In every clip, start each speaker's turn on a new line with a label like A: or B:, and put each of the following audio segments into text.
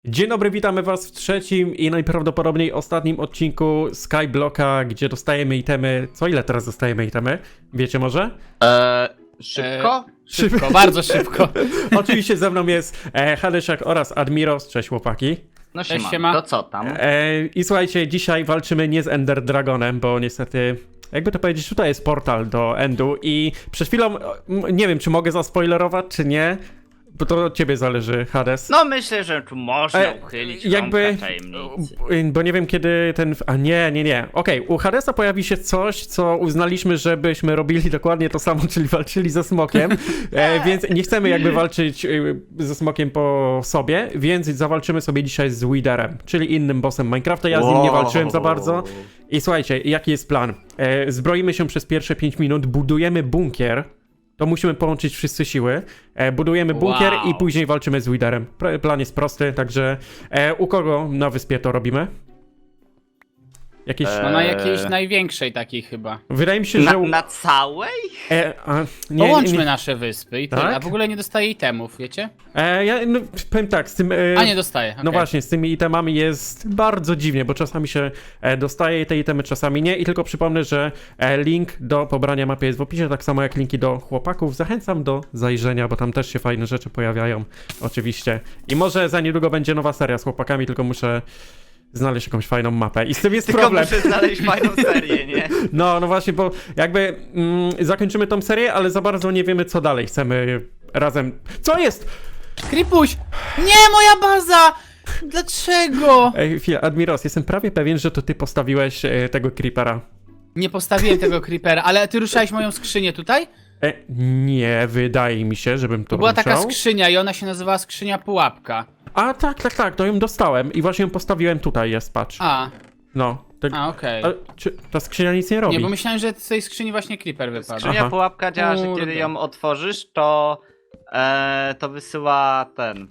A: Dzień dobry, witamy was w trzecim i najprawdopodobniej ostatnim odcinku Skyblocka, gdzie dostajemy itemy. Co ile teraz dostajemy itemy? Wiecie może?
B: Szybko?
C: Szybko, bardzo szybko.
A: Oczywiście ze mną jest Hadesiak oraz Admiros. Cześć chłopaki.
B: No
C: Cześć,
B: siema.
C: siema.
B: To co tam?
A: I słuchajcie, dzisiaj walczymy nie z Ender Dragonem, bo niestety, jakby to powiedzieć, tutaj jest portal do Endu i przed chwilą, nie wiem czy mogę zaspoilerować czy nie, bo to od ciebie zależy, Hades.
B: No myślę, że tu można uchylić
A: jakby,
B: tajemnicy.
A: bo nie wiem kiedy ten, a nie. Okej, u Hadesa pojawi się coś, co uznaliśmy, żebyśmy robili dokładnie to samo, czyli walczyli ze smokiem, więc nie chcemy jakby walczyć ze smokiem po sobie, więc zawalczymy sobie dzisiaj z Witherem, czyli innym bossem Minecrafta. Ja z nim nie walczyłem za bardzo. I słuchajcie, jaki jest plan? Zbroimy się przez pierwsze 5 minut, budujemy bunkier. To musimy połączyć wszyscy siły. Budujemy bunkier i później walczymy z Witherem. Plan jest prosty, także u kogo na wyspie to robimy? Jakieś...
C: No na jakiejś największej takiej chyba.
A: Wydaje mi się, że...
B: Na całej?
C: Połączmy nasze wyspy i tyle.
A: Tak?
C: A w ogóle nie dostaję itemów, wiecie?
A: Ja powiem tak, z tym...
C: A nie dostaję,
A: No
C: okej.
A: właśnie, z tymi itemami jest bardzo dziwnie, bo czasami się dostaje te itemy, czasami nie. I tylko przypomnę, że link do pobrania mapy jest w opisie, tak samo jak linki do chłopaków. Zachęcam do zajrzenia, bo tam też się fajne rzeczy pojawiają, oczywiście. I może za niedługo będzie nowa seria z chłopakami, tylko muszę znaleźć jakąś fajną mapę. I z tym jest
B: Tylko
A: problem.
B: muszę znaleźć fajną serię, nie?
A: No właśnie, bo jakby zakończymy tą serię, ale za bardzo nie wiemy, co dalej chcemy razem... Co jest?
C: Kripuś! Nie, moja baza! Dlaczego?
A: Ej, chwila, Admiros, jestem prawie pewien, że to ty postawiłeś tego creepera.
C: Nie postawiłem tego creepera, ale ty ruszałeś moją skrzynię tutaj?
A: Nie, wydaje mi się, żebym to
C: To była
A: ruszał.
C: taka skrzynia i ona się nazywała skrzynia pułapka.
A: A tak, to ją dostałem i właśnie ją postawiłem tutaj, jest, patrz. No. Tak,
C: Okej.
A: czy ta skrzynia nic nie robi?
C: Nie, bo myślałem, że z tej skrzyni właśnie creeper wypadł.
B: Skrzynia
A: Aha.
B: pułapka działa, że
C: Kurde.
B: kiedy ją otworzysz, to wysyła ten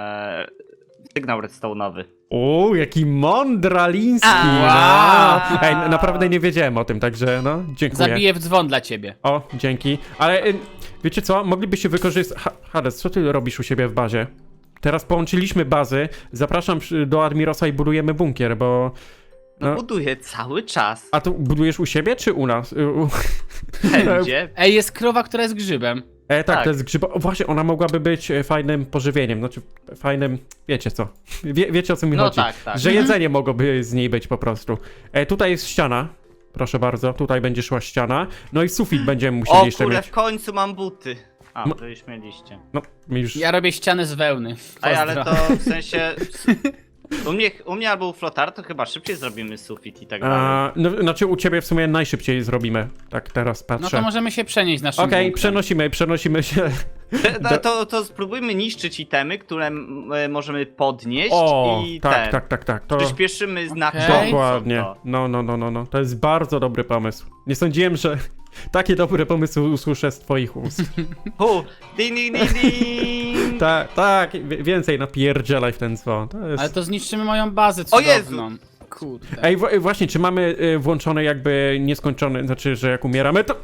B: sygnał redstone'owy.
A: O, jaki mądraliński!
C: Wow.
A: Ej, naprawdę nie wiedziałem o tym, także no, dziękuję.
C: Zabiję w dzwon dla ciebie.
A: O, dzięki. Ale wiecie co? Moglibyście wykorzystać... Hades, co ty robisz u siebie w bazie? Teraz połączyliśmy bazy. Zapraszam do Admirosa i budujemy bunkier, bo...
B: No
A: No.
B: buduję cały czas.
A: A to budujesz u siebie, czy u nas?
B: Będzie.
C: Ej, jest krowa, która jest grzybem.
A: Tak,
B: Tak.
A: to jest grzyba. O, właśnie, ona mogłaby być fajnym pożywieniem. Znaczy, fajnym... Wiecie co? Wiecie o co mi
B: No
A: chodzi.
B: tak.
A: Że jedzenie mogłoby z niej być po prostu. Tutaj jest ściana. Proszę bardzo, tutaj będzie szła ściana. No i sufit będziemy musieli
B: O
A: jeszcze
B: kurde,
A: mieć.
B: w końcu mam buty. A,
A: No.
B: to już mieliście.
A: No, my już...
C: Ja robię ścianę z wełny.
B: Ej, ale
C: Pozdro.
B: to w sensie... U mnie albo u Flotar to chyba szybciej zrobimy sufit i tak dalej.
A: No, znaczy u ciebie w sumie najszybciej zrobimy. Tak teraz
C: No
A: patrzę.
C: to możemy się przenieść naszym
A: Okej,
C: bunkrem.
A: przenosimy się.
B: To spróbujmy niszczyć itemy, które możemy podnieść
A: O,
B: i
A: tak. To
B: przyspieszymy znacznie.
C: Okej.
A: dokładnie.
B: To.
A: No. To jest bardzo dobry pomysł. Nie sądziłem, że takie dobre pomysły usłyszę z twoich ust.
B: Ding, ding, ding, ding.
A: Tak, więcej napierdzielaj w ten dzwon. To jest...
C: Ale to zniszczymy moją bazę
B: O Jezu!
C: cudowną. Kurde.
A: Ej, właśnie, czy mamy włączone jakby nieskończone, znaczy, że jak umieramy, to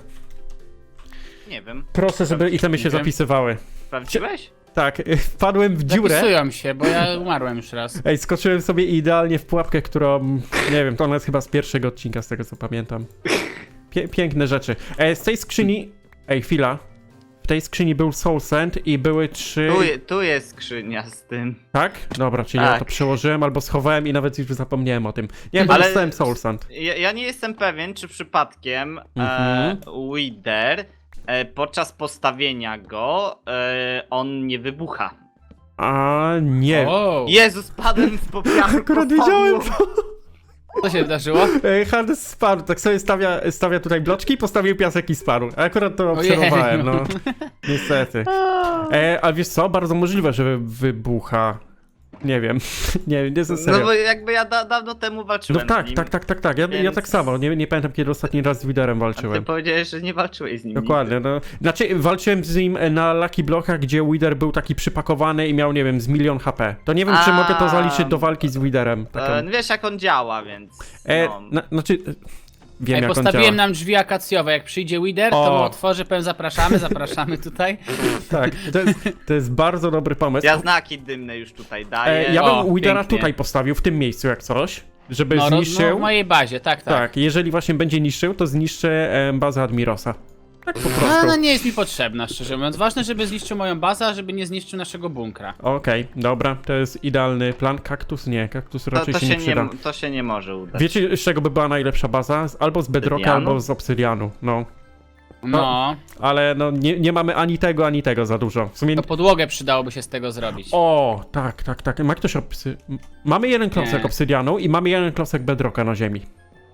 B: Nie wiem.
A: proszę, żeby itemy się
C: Nie wiem.
A: zapisywały.
B: Sprawdziłeś?
A: Tak, wpadłem w dziurę.
C: Zapisują się, bo ja umarłem już raz.
A: Ej, skoczyłem sobie idealnie w pułapkę, którą, nie wiem, to ona jest chyba z pierwszego odcinka, z tego co pamiętam. Piękne rzeczy. Z tej skrzyni... Ej, chwila. W tej skrzyni był Soul Sand i były 3...
B: Tu jest skrzynia z tym.
A: Tak? Dobra, czyli ja
B: Tak.
A: to przełożyłem albo schowałem i nawet już zapomniałem o tym. Nie, bo
B: Ale-
A: dostałem Soul Sand.
B: Ja nie jestem pewien, czy przypadkiem
A: Mhm.
B: Wither podczas postawienia go on nie wybucha.
A: A nie.
C: O,
B: Jezus, padłem w popiachu.
A: Akurat
B: po
A: wiedziałem
B: podłogę.
C: co się wydarzyło?
A: Hades spadł, tak sobie stawia tutaj bloczki, postawił piasek i spadł. A akurat to
C: Ojej,
A: obserwowałem,
C: no.
A: no. Niestety. A wiesz co? Bardzo możliwe, że wybucha. Nie wiem. nie
B: No
A: serio.
B: bo jakby ja dawno temu
A: No
B: walczyłem
A: tak,
B: z nim.
A: tak. Ja
B: Więc-
A: tak samo. Nie pamiętam, kiedy ostatni raz z Widerem
B: A ty
A: walczyłem.
B: powiedziałeś, że nie walczyłeś z nim.
A: Dokładnie, no. Znaczy, walczyłem z nim na Lucky Blockach, gdzie Wither był taki przypakowany i miał, nie wiem, z 1 000 000 HP. To nie wiem, czy
B: A,
A: mogę to zaliczyć do walki z Widerem.
B: Wiesz jak on działa, więc. No.
A: Znaczy, wiem jak on
C: Postawiłem
A: działa.
C: nam drzwi akacjowe, jak przyjdzie Wither, to
A: O.
C: mu otworzy, powiem zapraszamy tutaj.
A: Tak, to jest bardzo dobry pomysł.
B: Ja znaki dymne już tutaj daję.
A: Ja
C: O,
A: bym Widera
B: pięknie.
A: tutaj postawił, w tym miejscu jak coś, żeby
C: No,
A: zniszczył.
C: w mojej bazie, tak.
A: Tak, jeżeli właśnie będzie niszczył, to zniszczy bazę Admirosa. Tak po prostu.
C: No nie jest mi potrzebna, szczerze mówiąc. Ważne, żeby zniszczył moją bazę, a żeby nie zniszczył naszego bunkra.
A: Okej, dobra, to jest idealny plan. Kaktus nie, kaktus raczej
B: To
A: się nie przyda.
B: to się nie może udać.
A: Wiecie, z czego by była najlepsza baza? Albo z Bedrocka,
B: Obsydianu?
A: albo z Obsydianu, no.
C: No,
A: Ale no, nie mamy ani tego za dużo. W sumie...
C: to podłogę przydałoby się z tego zrobić.
A: O, tak. Ma ktoś Mamy jeden klocek
C: Nie.
A: Obsydianu i mamy jeden klocek Bedrocka na ziemi.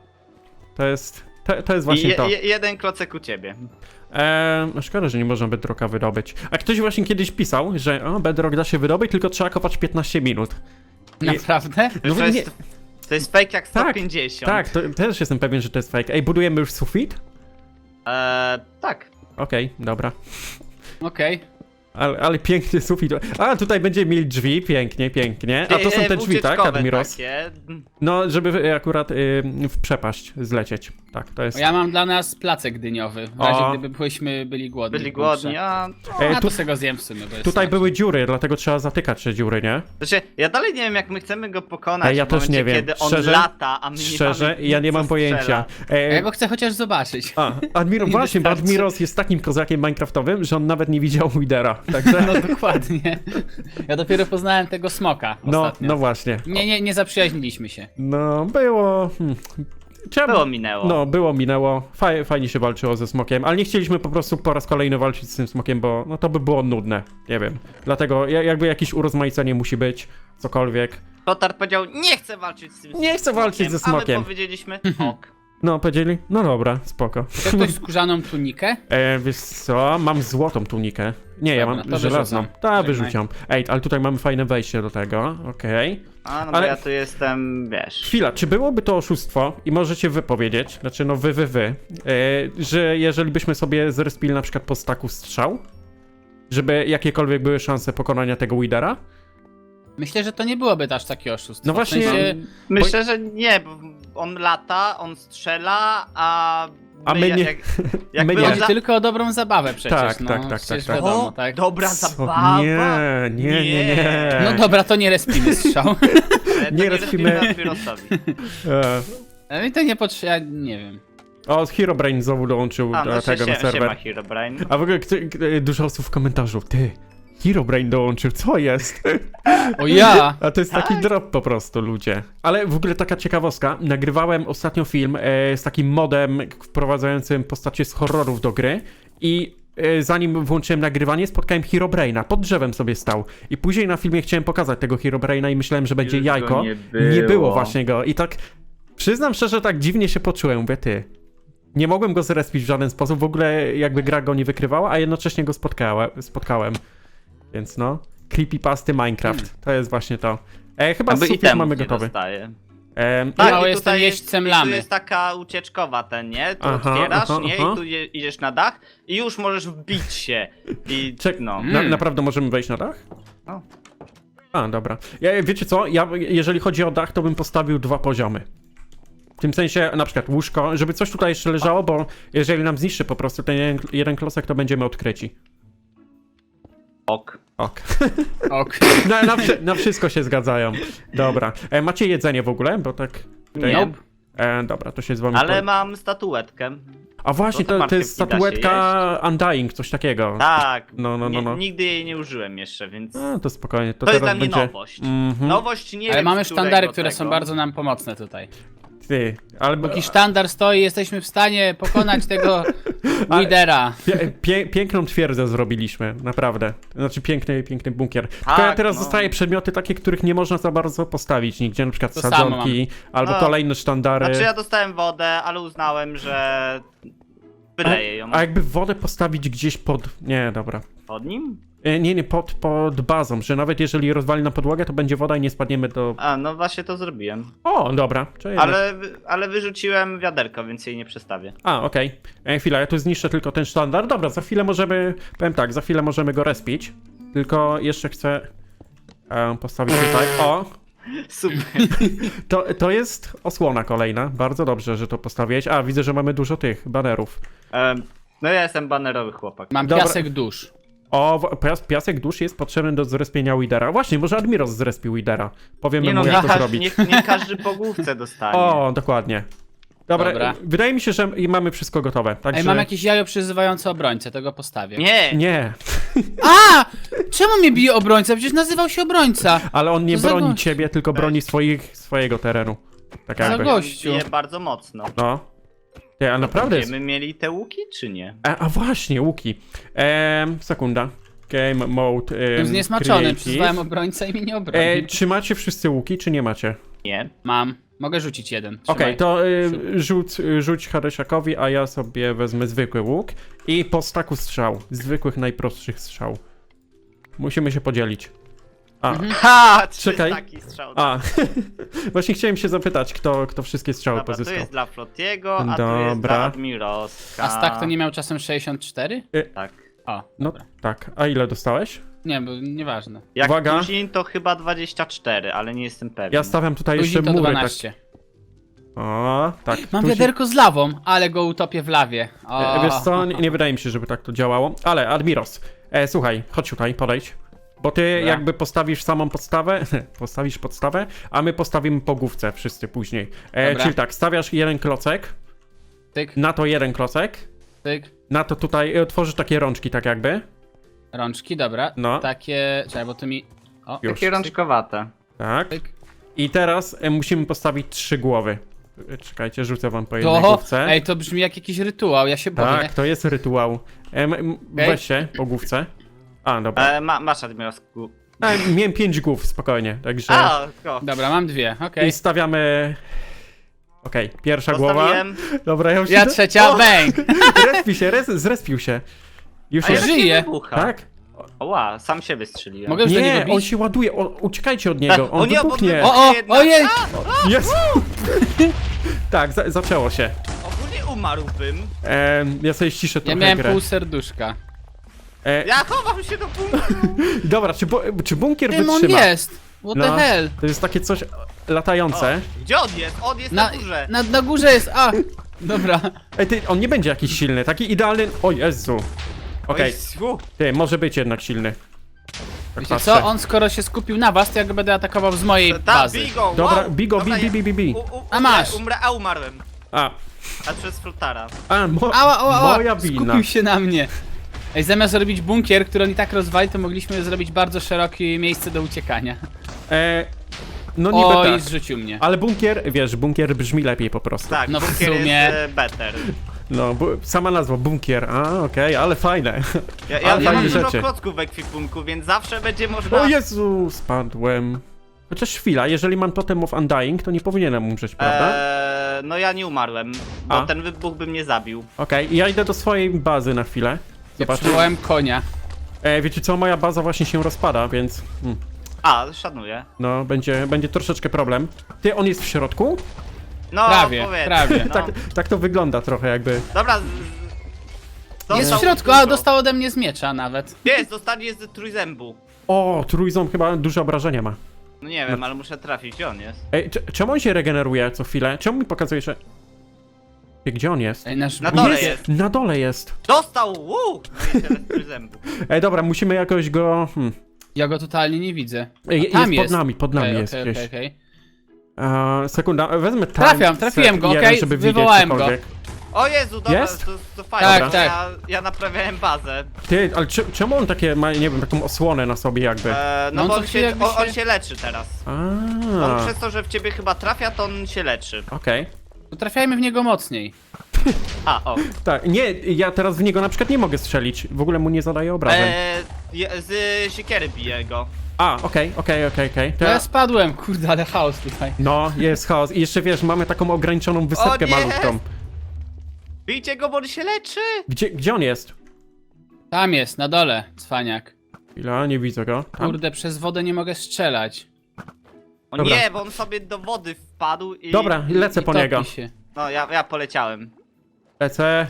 A: To jest właśnie to.
B: Jeden klocek u ciebie.
A: No szkoda, że nie można Bedrocka wydobyć. A ktoś właśnie kiedyś pisał, że Bedrock da się wydobyć, tylko trzeba kopać 15 minut.
C: Naprawdę?
A: No
B: to,
A: nie-
B: jest, to jest fake jak
A: Tak,
B: 150.
A: Tak, to też jestem pewien, że to jest fake. Ej, budujemy już sufit?
B: Tak.
A: Okej, dobra.
C: Okej.
A: Ale piękny sufit. A, tutaj będziemy mieli drzwi, pięknie. A to są te drzwi, tak,
B: Ucieczkowe
A: Admiros?
B: takie.
A: No, żeby akurat w przepaść zlecieć. Tak, to jest...
C: Ja mam dla nas placek dyniowy, w razie
A: O.
C: gdyby byli głodni.
B: Byli
C: w bunkrze.
B: głodni, a...
C: Ja
A: tu,
C: to sobie go zjem w sumie, bo jest
A: tutaj
C: smaczny.
A: były dziury, dlatego trzeba zatykać te dziury, nie?
B: Znaczy, ja dalej nie wiem, jak my chcemy go pokonać
A: Ja
B: w
A: też
B: momencie,
A: nie wiem.
B: kiedy on
A: Szczerze?
B: lata, a my
A: Szczerze,
B: nie mamy
A: ja nie
B: nic,
A: mam
B: co
A: pojęcia.
B: strzela.
C: Ja go chcę chociaż zobaczyć.
A: Admiro,
C: Nie
A: właśnie, bo
C: wystarczy.
A: Admiros jest takim kozakiem minecraftowym, że on nawet nie widział Widera. Także...
C: No dokładnie. Ja dopiero poznałem tego smoka ostatnio.
A: No właśnie.
C: Nie zaprzyjaźniliśmy się.
A: No, było... Trzeba...
B: Minęło.
A: No, minęło. Fajnie się walczyło ze smokiem, ale nie chcieliśmy po prostu po raz kolejny walczyć z tym smokiem, bo no to by było nudne. Nie wiem. Dlatego jakby jakieś urozmaicenie musi być, cokolwiek.
B: Lotar powiedział, nie chcę walczyć z tym
A: Nie chcę walczyć ze
B: A my
A: smokiem.
B: powiedzieliśmy, ok.
A: No, powiedzieli? No dobra, spoko.
C: Chce ktoś skórzaną tunikę?
A: Wiesz co, mam złotą tunikę. Nie, ja
C: Dobra,
A: mam
C: to
A: żelazną.
C: wyrzucam.
A: Tak,
C: Żegnaj.
A: wyrzuciam. Ej, ale tutaj mamy fajne wejście do tego, okej.
B: A, no
A: Ale-
B: bo ja tu jestem, wiesz...
A: Chwila, czy byłoby to oszustwo, i możecie wy powiedzieć, znaczy no że jeżeli byśmy sobie zrespili na przykład po staku strzał, żeby jakiekolwiek były szanse pokonania tego Widera?
C: Myślę, że to nie byłoby aż takie oszustwo.
A: No właśnie-
C: W sensie,
B: Myślę, że nie, bo on lata, on strzela, a
A: my nie.
B: Jakby
A: My nie.
B: on
C: chodzi tylko o dobrą zabawę przecież.
A: Tak,
C: no,
A: tak,
C: przecież
A: tak.
C: Wiadomo,
B: O,
C: tak.
B: dobra
A: Co?
B: zabawa.
A: Nie.
C: No dobra, to nie respimy strzał.
B: To
A: nie
B: nie
A: respimy.
B: respimy Admirosowi.
A: E,
C: I to nie potrzeba, ja nie wiem.
A: O, Herobrine znowu dołączył
B: A,
A: do
B: no
A: tego na
B: się ma
A: serwer.
B: Herobrine.
A: A w ogóle dużo osób w komentarzu, ty, Herobrine dołączył, co jest?
C: O ja!
A: A to jest taki
B: Tak.
A: drop po prostu, ludzie. Ale w ogóle taka ciekawostka, nagrywałem ostatnio film z takim modem wprowadzającym postacie z horrorów do gry i zanim włączyłem nagrywanie, spotkałem Herobrine'a, pod drzewem sobie stał. I później na filmie chciałem pokazać tego Herobrine'a i myślałem, że będzie
B: Już go
A: jajko.
B: nie było.
A: było właśnie go. I tak, przyznam szczerze, tak dziwnie się poczułem, mówię, ty. Nie mogłem go zrespić w żaden sposób, w ogóle jakby gra go nie wykrywała, a jednocześnie go spotkałem. Więc no, creepypasty Minecraft, to jest właśnie to. Chyba
B: Aby
A: sufit
B: itemów
A: mamy
B: nie
A: gotowy.
B: dostaje.
C: Tak,
B: i
C: mało jestem
B: tutaj
C: jeźdźcem
B: i
C: lamy.
B: Tu jest taka ucieczkowa ten, nie? Tu
A: Aha,
B: otwierasz,
A: aha,
B: nie?
A: aha.
B: I tu idziesz na dach i już możesz wbić się. I no.
A: Naprawdę możemy wejść na dach?
B: No.
A: A, dobra. Wiecie co, jeżeli chodzi o dach, to bym postawił 2 poziomy. W tym sensie, na przykład łóżko, żeby coś tutaj jeszcze leżało, bo jeżeli nam zniszczy po prostu ten jeden klocek, to będziemy odkryci.
B: Ok.
A: Ok.
C: Ok.
A: Na wszystko się zgadzają. Dobra. Macie jedzenie w ogóle? Bo tak... tutaj-
B: Nie.
A: Dobra, to się z wami...
B: Ale mam statuetkę.
A: A właśnie,
B: to
A: to jest
B: marchewki da się
A: statuetka Undying, coś takiego.
B: Tak.
A: No.
B: Nigdy jej nie użyłem jeszcze, więc...
A: A, to spokojnie. To
B: To jest
A: teraz
B: dla mnie
A: będzie...
B: nowość.
A: Mhm.
B: Nowość nie
C: Ale
B: wiem,
C: mamy
B: z którego
C: sztandary, które
B: tego.
C: są bardzo nam pomocne tutaj.
A: Ty, ale...
C: Póki sztandar stoi, jesteśmy w stanie pokonać tego
A: Ale-
C: lidera.
A: Piękną twierdzę zrobiliśmy, naprawdę. Znaczy piękny bunkier. Tylko
B: Tak,
A: teraz
B: no.
A: dostaję przedmioty takie, których nie można za bardzo postawić nigdzie, na przykład
C: To samo
A: sadzonki, albo
B: No.
A: kolejne sztandary.
B: Znaczy ja dostałem wodę, ale uznałem, że... Wyleję ją.
A: A jakby wodę postawić gdzieś pod... Nie, dobra.
B: Pod nim?
A: Nie, pod bazą, że nawet jeżeli rozwali na podłogę, to będzie woda i nie spadniemy do...
B: A, no właśnie to zrobiłem.
A: O, dobra. Czyli
B: Ale wyrzuciłem wiaderko, więc jej nie przestawię.
A: A, okej. Chwila, ja tu zniszczę tylko ten sztandar. Dobra, za chwilę możemy... Powiem tak, za chwilę możemy go respić. Tylko jeszcze chcę postawić tutaj... O!
B: Super.
A: To jest osłona kolejna. Bardzo dobrze, że to postawiłeś. A, widzę, że mamy dużo tych banerów.
B: No ja jestem banerowy chłopak.
C: Mam
A: Dobra.
C: piasek dusz.
A: O, piasek dusz jest potrzebny do zrespienia Widera. Właśnie, może Admiros zrespił Widera. Powiemy
B: Nie no,
A: mu, jak to
B: nie,
A: zrobić.
B: nie każdy po główce dostanie.
A: O, dokładnie. Dobra,
C: Dobra.
A: wydaje mi się, że mamy wszystko gotowe. Także...
C: Ej, mam jakieś jajo przyzywające obrońcę, tego postawię.
B: Nie!
A: Nie,
C: A! Czemu mnie bije obrońca? Przecież nazywał się obrońca.
A: ale on nie
C: Co za
A: broni
C: gość?
A: ciebie, tylko broni swojego terenu. Tak
C: Za
A: jakby.
C: gościu.
B: Bije bardzo mocno.
A: No. Ty, a naprawdę jest...
B: Będziemy mieli te łuki, czy nie?
A: A właśnie, łuki. Sekunda. Game mode.
C: Jestem zniesmaczony,
A: creative.
C: przyzwałem obrońca i mnie nie obronił.
A: Czy macie wszyscy łuki, czy nie macie?
B: Nie.
C: Mam. Mogę rzucić jeden.
A: Okej,
C: Trzymaj.
A: to rzuć Harysiakowi, a ja sobie wezmę zwykły łuk i po staku strzał. Zwykłych, najprostszych strzał. Musimy się podzielić. A,
B: Ha!
A: Czekaj.
B: Taki strzał.
A: a. Właśnie chciałem się zapytać, kto wszystkie strzały
B: Dobra, to
A: pozyskał.
B: jest dla Flotiego, a tu jest
A: Dobra.
B: dla Admiroska.
C: A Stak to nie miał czasem 64?
B: Tak.
C: O,
A: No
C: dobra.
A: tak, a ile dostałeś?
C: Nie, bo nieważne.
B: Jak
A: Uwaga.
B: Tuzin to chyba 24, ale nie jestem pewien.
A: Ja stawiam tutaj jeszcze
C: Tuzin to
A: mury.
C: 12.
A: Tak. O, tak.
C: Mam
A: Tuzin-
C: wiaderko z lawą, ale go utopię w lawie. O.
A: Wiesz co, nie wydaje mi się, żeby tak to działało. Ale Admiros, słuchaj, chodź tutaj, podejdź. Bo ty
C: Dobra.
A: jakby postawisz samą podstawę, a my postawimy po główce wszyscy później.
C: Dobra.
A: Czyli tak, stawiasz jeden klocek,
C: Tyk,
A: na to jeden klocek,
C: tyk.
A: na to tutaj tworzysz takie rączki tak jakby.
C: Rączki, dobra.
A: No.
C: Takie. Czekaj, bo tu mi. O,
A: Już.
B: Takie rączkowate.
A: Tak.
C: tyk.
A: I teraz musimy postawić 3 głowy. Czekajcie, rzucę wam po jednej
C: To.
A: główce.
C: Ej, to brzmi jak jakiś rytuał, ja się boję.
A: Tak, to jest rytuał. Weź się po główce. A, dobra.
B: Masz Admirosku.
A: Miałem 5 głów, spokojnie, także...
C: Dobra, mam dwie, okej.
A: I stawiamy... Okej, pierwsza głowa.
B: Postawiłem.
A: Dobra, ja już
C: Ja
A: idę.
C: trzecia,
A: O!
C: bang!
A: Zrespił się, zrespił się. Już
B: A
A: jest.
B: ja
C: żyje.
B: Wybucha.
A: Tak?
B: Oła, sam się wystrzeliłem.
C: Mogę już do
A: Nie,
C: niego
A: on
C: bić?
A: się ładuje, uciekajcie od niego, on
B: O nie,
A: wybuchnie.
C: O,
B: Jednak.
C: ojej!
A: Jest! Tak, zaczęło się.
B: Ogólnie umarłbym.
A: Ja sobie ściszę
C: Ja
A: trochę
C: miałem
A: grę.
C: pół serduszka.
B: Ja chowam się do punktu.
A: Dobra, czy bunkier
C: Tym on
A: wytrzyma?
C: jest! What
A: No.
C: the hell?
A: To jest takie coś latające.
B: Gdzie on jest? On jest na górze.
C: Na górze jest, a! Dobra.
A: Ej, on nie będzie jakiś silny, taki idealny... O Jezu. Okej, ty, może być jednak silny. Tak
C: Wiecie
A: patrzę.
C: co? On skoro się skupił na was, to ja go będę atakował z mojej
B: Ta,
C: bazy.
B: bigo,
A: Dobra,
B: wow.
A: bigo,
B: Dobra,
A: bi.
C: A masz.
B: Umarłem.
A: A,
B: A przez Flotara.
C: Ała,
A: moja wina.
C: skupił się na mnie. Ej, zamiast robić bunkier, który on i tak rozwali, to mogliśmy zrobić bardzo szerokie miejsce do uciekania.
A: No niby
C: Oj,
A: tak.
C: zrzucił mnie.
A: Ale bunkier brzmi lepiej po prostu.
B: Tak,
C: No w
B: bunkier
C: sumie.
B: jest better.
A: No, sama nazwa, bunkier. A, okej, ale fajne.
B: Ja
A: Ale
B: mam
A: fajne
B: dużo
A: rzeczy.
B: klocków w ekwipunku, więc zawsze będzie można...
A: O Jezu, spadłem. Chociaż chwila, jeżeli mam Totem of Undying, to nie powinienem umrzeć, prawda?
B: No ja nie umarłem, bo
A: A.
B: ten wybuch by mnie zabił.
A: Okej, ja idę do swojej bazy na chwilę.
C: Ja
A: Zobaczę.
C: przywołałem konia.
A: Wiecie co, moja baza właśnie się rozpada, więc...
B: A, szanuję.
A: No, będzie troszeczkę problem. Ty, on jest w środku?
B: No,
C: Prawie,
B: powiedzmy,
C: prawie.
B: No.
A: Tak to wygląda trochę jakby.
B: Dobra.
C: Jest w
B: dostał
C: środku,
B: dużo.
C: a dostał ode mnie z miecza nawet.
B: Jest, dostanie z trójzębu.
A: O, trójząb chyba duże obrażenia ma.
B: No nie wiem, ale muszę trafić, gdzie on jest.
A: Ej, czemu on się regeneruje co chwilę? Czemu mi pokazuje, że... Gdzie on jest?
C: Ej, nasz
B: Na dole
C: bunkier-
B: jest.
A: Na dole jest.
B: Dostał! No i tyle z trójzębu.
A: Ej, dobra, musimy jakoś go...
C: Ja go totalnie nie widzę.
A: Ej,
C: A, tam
A: jest pod nami
C: Okej,
A: jest
C: okej,
A: gdzieś.
C: okej.
A: Sekunda, wezmę tam.
C: Trafiłem go,
A: jeden,
C: okej,
A: żeby widzieć
C: wywołałem go.
A: cokolwiek.
B: O Jezu, dobra,
A: Jest?
B: to fajnie.
C: Tak,
B: bo
C: tak.
B: Ja naprawiałem bazę.
A: Ty, ale czemu on takie ma, nie wiem, taką osłonę na sobie jakby?
B: No
C: No on
B: bo
C: co
B: on
C: chwilę
B: się,
C: jakby
B: on
C: się-
B: się leczy teraz. On
A: A,
B: przez to, że w ciebie chyba trafia, to on się leczy.
A: okej.
C: To trafiajmy w niego mocniej.
B: A, o.
A: Tak, nie, ja teraz w niego na przykład nie mogę strzelić. W ogóle mu nie zadaję obrażeń.
B: Z siekiery bije go.
A: A, okej. To
C: To ja spadłem, kurde, ale chaos tutaj.
A: No, jest chaos. I jeszcze wiesz, mamy taką ograniczoną wysepkę
B: nie!
A: malutką.
B: Bijcie go, bo on się leczy!
A: Gdzie on jest?
C: Tam jest, na dole, cwaniak.
A: Chwila, nie widzę go. Tam?
C: Kurde, przez wodę nie mogę strzelać.
B: O
A: Dobra.
B: nie, bo on sobie do wody wpadł i...
A: Dobra, lecę
C: I
A: po
C: topi
A: niego.
C: się.
B: No, ja poleciałem.
A: Lecę.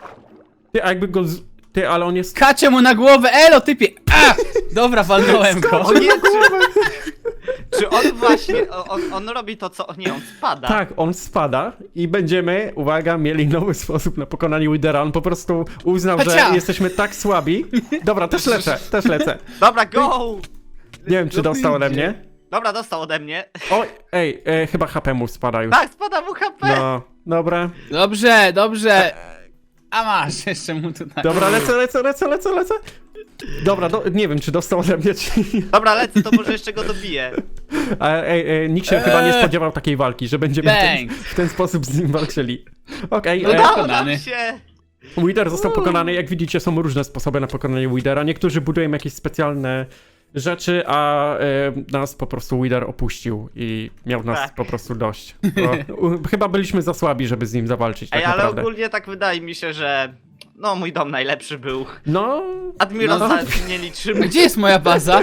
A: Ty, a jakby go Ty, ale on jest...
C: Kacie mu na głowę, elo typie! A! Dobra, walnąłem go.
B: O nie, Czy on właśnie, on robi to co, nie, on spada.
A: Tak, on spada i będziemy, uwaga, mieli nowy sposób na pokonanie Widera. On po prostu uznał, że
C: Hacia!
A: jesteśmy tak słabi. Dobra, też lecę.
B: Dobra, go!
A: Nie wiem, czy dostał ode mnie.
B: Dobra, dostał ode mnie.
A: Oj, ej, chyba HP mu spada już.
B: Tak, spada mu HP.
A: No, dobra.
C: Dobrze. A masz, jeszcze mu tutaj.
A: Dobra, lecę. Dobra, nie wiem, czy dostał ode mnie, czy nie.
B: Dobra, lecę, to może jeszcze go dobiję.
A: Nikt się chyba nie spodziewał takiej walki, że będziemy
C: Bang.
A: w ten sposób z nim walczyli. Okej,
C: No
B: Udało
C: pokonany.
B: nam się.
A: Wither został pokonany. Jak widzicie, są różne sposoby na pokonanie Withera. Niektórzy budują jakieś specjalne rzeczy, a nas po prostu Wither opuścił i miał nas
B: Tak.
A: po prostu dość. Chyba byliśmy za słabi, żeby z nim zawalczyć, tak
B: Ej, ale
A: naprawdę.
B: ogólnie tak wydaje mi się, że no mój dom najlepszy był.
A: No,
B: Admirosa
A: No.
B: nie
C: A
B: liczymy.
C: gdzie jest moja baza?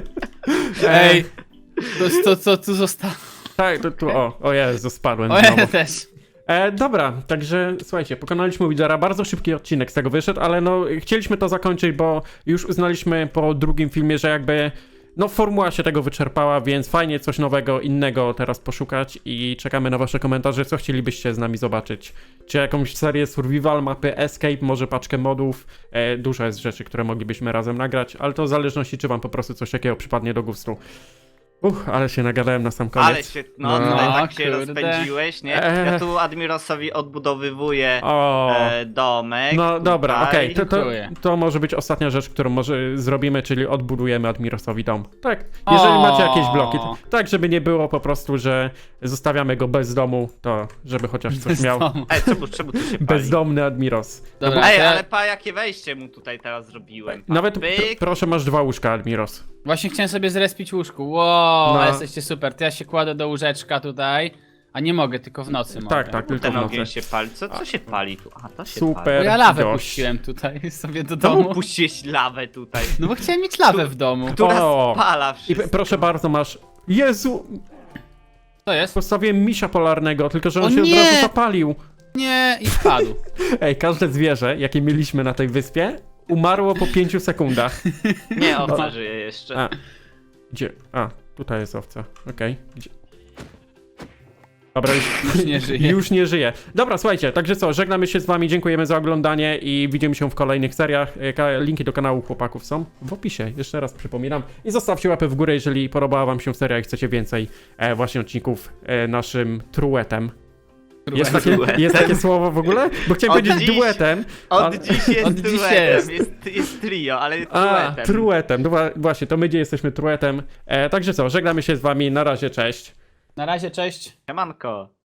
C: Ej, to co tu zostało?
A: tak, o Jezu, spadłem
C: O,
A: znowu.
C: ja też.
A: Dobra, także słuchajcie, pokonaliśmy Withera, bardzo szybki odcinek z tego wyszedł, ale no chcieliśmy to zakończyć, bo już uznaliśmy po drugim filmie, że jakby no formuła się tego wyczerpała, więc fajnie coś nowego, innego teraz poszukać i czekamy na wasze komentarze, co chcielibyście z nami zobaczyć. Czy jakąś serię survival, mapy escape, może paczkę modów, dużo jest rzeczy, które moglibyśmy razem nagrać, ale to w zależności, czy wam po prostu coś takiego przypadnie do gustu. Ale się nagadałem na sam koniec.
B: Ale się, no,
A: No.
B: tutaj tak się
C: Kurde.
B: rozpędziłeś, nie? Ja tu Admirosowi odbudowywuję
A: O.
B: domek.
A: No dobra,
B: tutaj.
A: okej,
C: Dziękuję.
A: to może być ostatnia rzecz, którą może zrobimy, czyli odbudujemy Admirosowi dom. Tak, jeżeli macie jakieś bloki, tak żeby nie było po prostu, że zostawiamy go bez domu, to żeby chociaż coś miał.
B: Ej, czemu tu się pali?
A: Bezdomny Admiros.
C: Dobra,
B: Ej,
C: to ja
B: ale pa, jakie wejście mu tutaj teraz zrobiłem.
A: Nawet
B: Pyk.
A: proszę, masz 2 łóżka, Admiros.
C: właśnie chciałem sobie zrespić łóżku. Wow,
A: No.
C: jesteście super. To ja się kładę do łóżeczka tutaj. A nie mogę, tylko w nocy mogę.
A: Tak, tylko
B: Ten
A: w
B: ogień
A: nocy.
B: się pali. Co się pali tu? A, to się
A: Super.
C: Bo
B: pali.
C: ja lawę
A: Dość.
C: puściłem tutaj sobie do
B: Czemu
C: domu.
B: puściłeś lawę tutaj?
C: No bo chciałem mieć lawę w domu.
B: Która
A: O.
B: spala
A: I
B: wszystko.
A: proszę bardzo, masz... Jezu,
C: Co jest?
A: postawiłem misia polarnego, tylko że on
C: O
A: się
C: nie!
A: od razu zapalił.
C: Nie, i spadł.
A: Ej, każde zwierzę, jakie mieliśmy na tej wyspie, umarło po 5 sekundach.
B: Nie, owca żyje jeszcze.
A: A, gdzie? A, tutaj jest owca. Okej. Gdzie? Dobra,
C: Już nie żyje.
A: Już nie żyje. Dobra, słuchajcie, także co, żegnamy się z wami, dziękujemy za oglądanie i widzimy się w kolejnych seriach. Linki do kanału chłopaków są w opisie, jeszcze raz przypominam. I zostawcie łapę w górę, jeżeli podobała wam się seria i chcecie więcej właśnie odcinków naszym truetem. Jest takie słowo w ogóle? Bo chciałem
B: Od
A: powiedzieć
B: dziś-
A: duetem.
B: Od dziś jest
C: Od dziś
B: duetem.
C: jest.
B: Jest trio, ale
A: A,
B: truetem.
A: truetem. No właśnie, to my gdzie jesteśmy truetem. Także co, żegnamy się z wami, na razie, cześć.
C: Na razie, cześć.
B: Siemanko.